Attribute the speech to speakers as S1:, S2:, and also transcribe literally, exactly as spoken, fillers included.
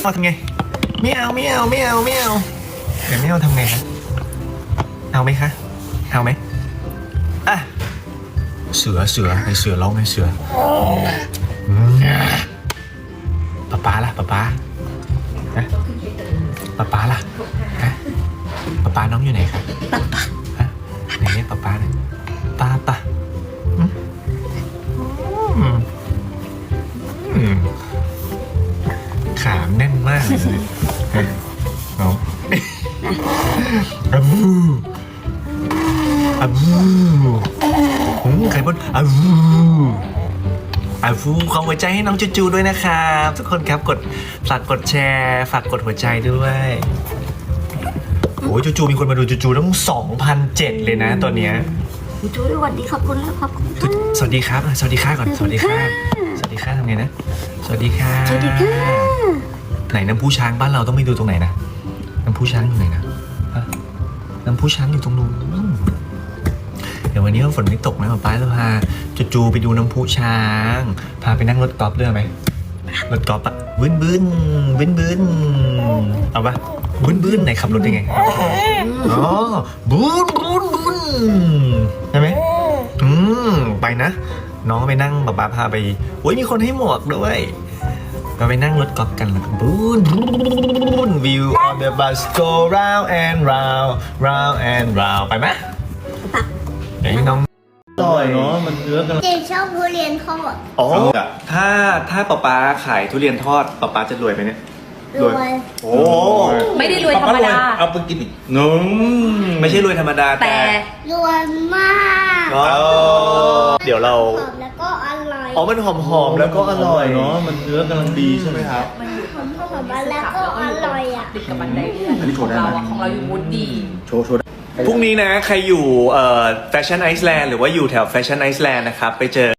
S1: เอาทำไงไม่เอาไม่เอาไม่เอาไม่เอาเดี๋ยวไม่เอาทำไงคะเอาไหมคะเอาไหมอ่ะเสือเสือไอเสือร้องไอเสือป๊าป๊าล่ะป๊าป๊าฮะป๊าป๊าล่ะฮะป๊าป๊าน้องอยู่ไหนครับป๊าป๊าฮะไหนเรียกป๊าป๊าหน่อยป๊าป๊าอืมอืมขามแน่นมากเลยน้องอะบูอะบูหืมไข่บดอะบูอะบูขอหัวใจให้น้องจูจูด้วยนะครับทุกคนครับกดฝากกดแชร์ฝากกดหัวใจด้วยโอ้ยจูจูมีคนมาดูจูจูตั้ง สองพันเจ็ด เลยนะตอนเนี้ย
S2: จูสวัสดีขอบคุณแล้วขอบคุณค่ะ
S1: สวัสดีครับสวัสดีค่ะก่อนสวัสดีค่ะสวัสดีค่ะทำไงนะสวัสดีค่ะ
S2: สวัสดีค่ะ
S1: ไหนน้ำพุช้างบ้านเราต้องไปดูตรงไหนนะน้ำพุช้างอยู่ไหนนะฮะน้ำพุช้างอยู่ตรงนู้นเดี๋ยววันนี้ฝนไม่ตกนะป๊าป๊าจะพาจูจูไปดูน้ำพุช้างพาไปนั่งรถกอล์ฟด้วยไหมรถกอล์ฟอะบึ้นบึ้นบึ้นบึ้นเอาปะบึ้นบึ้นไหนขับรถยังไงอ๋อบึ้นบึ้นบึ้นใช่ไหมอืมไปนะน้องไปนั่งป๊าป๊าพาไปโอ้ยมีคนให้หมวกด้วยเราไปนั่งรถกอล์ฟกันแล้วก็บูนบูน view on the bus go round and round round and round ไปไหมเดี๋ยวให้น้อง
S3: อร่อยเนาะมันเนื้อกัน
S2: เจนชอบทุเรียนทอด
S1: อ๋อถ้าถ้าป๊าป๊าขายทุเรียนทอดป๊าป๊าจะรวยไหมเนี่ย
S2: รวย
S1: โอ้
S4: ไม่ได้รวยธรรมดา
S3: เอาไปกินอีกน้อง
S1: ไม่ใช่รวยธรรมดาแต่
S4: แต่
S2: รวยมาก
S1: อ๋อเดี๋ยวเรา
S2: หอมแล้วก็อร่อย
S1: อ๋อมันหอมหอมๆแล้วก็อร่อย
S3: เนาะมันเนื้อกำลังดีใช่ไหมครับ
S4: มันอยู่
S2: หอมหอมแล้วก็อร่อยอ่ะ
S4: ติดกับบันไดเลื่อน
S3: อันนี้โชว์ได้
S4: ของ
S3: ไหม
S4: เราอะของเราอยู่มูดดี
S3: โชว์โชว์
S1: พรุ่งนี้นะใครอยู่แฟชั่นไอซ์แลนด์หรือว่าอยู่แถวแฟชั่นไอซ์แลนด์นะครับไปเจอ